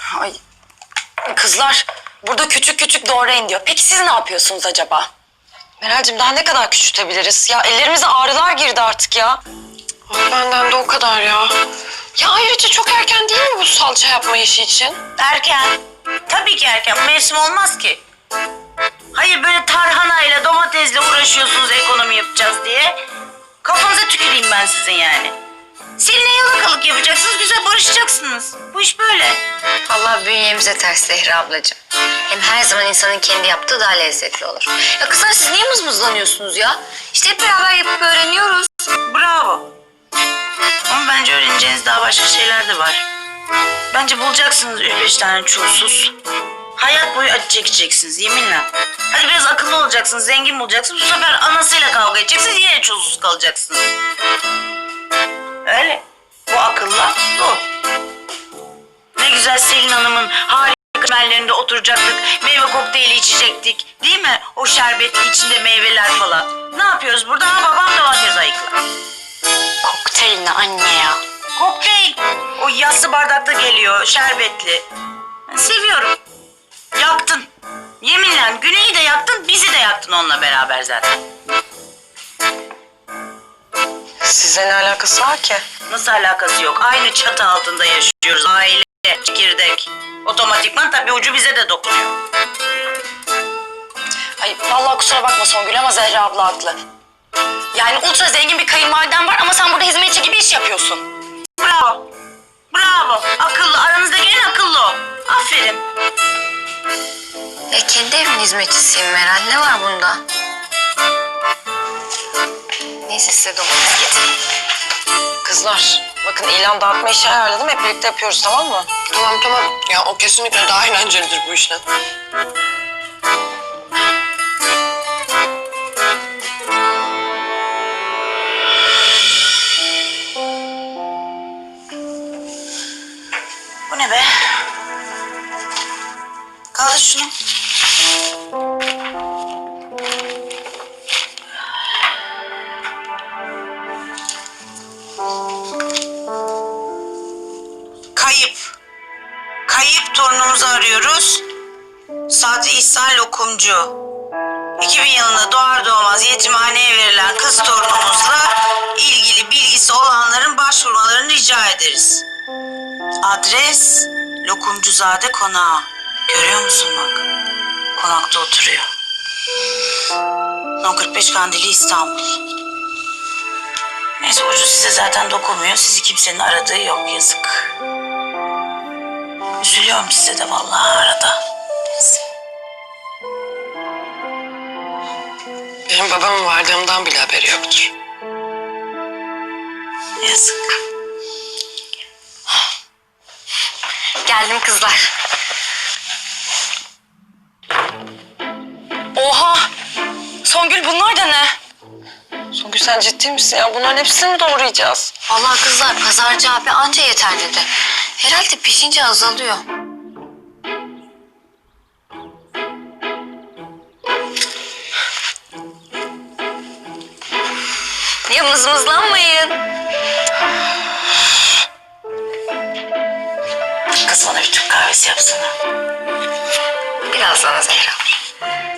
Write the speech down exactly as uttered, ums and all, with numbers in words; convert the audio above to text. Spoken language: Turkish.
Ay, kızlar burada küçük küçük doğrayın diyor. Peki siz ne yapıyorsunuz acaba? Meral'cim daha ne kadar küçültebiliriz? Ya ellerimize ağrılar girdi artık ya. Ay, benden de o kadar ya. Ya ayrıca çok erken değil mi bu salça yapma işi için? Erken. Tabii ki erken. Mevsim olmaz ki. Hayır böyle tarhanayla domatesle uğraşıyorsunuz ekonomi yapacağız diye. Kafanıza tüküreyim ben sizin yani. Seninle yalakalık yapacaksınız, güzel barışacaksınız. Bu iş böyle. Vallahi bünyemize ters Zehra ablacığım. Hem her zaman insanın kendi yaptığı daha lezzetli olur. Ya kızlar siz niye mızmızlanıyorsunuz ya? İşte hep beraber yapıp öğreniyoruz. Bravo. Ama bence öğreneceğiniz daha başka şeyler de var. Bence bulacaksınız üç beş tane çulsuz. Hayat boyu acı çekeceksiniz yeminle. Hadi biraz akıllı olacaksınız, zengin bulacaksınız. Bu sefer anasıyla kavga edeceksiniz, yine çulsuz kalacaksınız. Öyle. Bu akılla bu. Ne güzel Selin Hanım'ın harika merlerinde oturacaktık. Meyve kokteyli içecektik. Değil mi? O şerbetli içinde meyveler falan. Ne yapıyoruz burada? Ha, babam domates ayıklar. Kokteyl ne anne ya? Kokteyl. O yassı bardakta geliyor, şerbetli. Ben seviyorum. Yaktın. Yeminle Güney'i de yaktın, bizi de yaktın onunla beraber zaten. Size ne alakası var ki? Nasıl alakası yok? Aynı çatı altında yaşıyoruz. Aile, çekirdek. Otomatikman tabii ucu bize de dokunuyor. Ay vallahi kusura bakma Songül ama Zehra abla haklı. Yani ultra zengin bir kayınvaliden var ama sen burada hizmetçi gibi iş yapıyorsun. Bravo. Bravo. Akıllı. Aranızdaki en akıllı o. Aferin. Ya kendi evimin hizmetçisiyim Meral. Ne var bunda? Neyse size domates getireyim. Kızlar bakın ilan dağıtma işi ayarladım. Hep birlikte yapıyoruz tamam mı? Tamam tamam. Ya o kesinlikle daha eğlencelidir bu işten. Bu ne be? Kaldır şunu. Kayıp. Kayıp torunumuzu arıyoruz. Sadri İhsan Lokumcu. iki bin yılında doğar doğmaz yetimhaneye verilen kız torunumuzla ilgili bilgisi olanların başvurmalarını rica ederiz. Adres Lokumcuzade Konağı. Görüyor musun bak? Konakta oturuyor. on kırk beş Kandili İstanbul. Neyse ucu size zaten dokunmuyor. Sizi kimsenin aradığı yok yazık. Üzülüyorum size de vallahi arada. Neyse. Benim babamın vardığımdan bile haberi yoktur. Yazık. Geldim kızlar. Oha! Songül bunlar da ne? Songül sen ciddi misin ya? Bunların hepsini mi doğrayacağız? Vallahi kızlar pazarcı abi anca yeter dedi. Herhalde pişince azalıyor. Ya mızmızlanmayın. Kız bana bir Türk kahvesi yapsana. Biraz daha Zehra abla.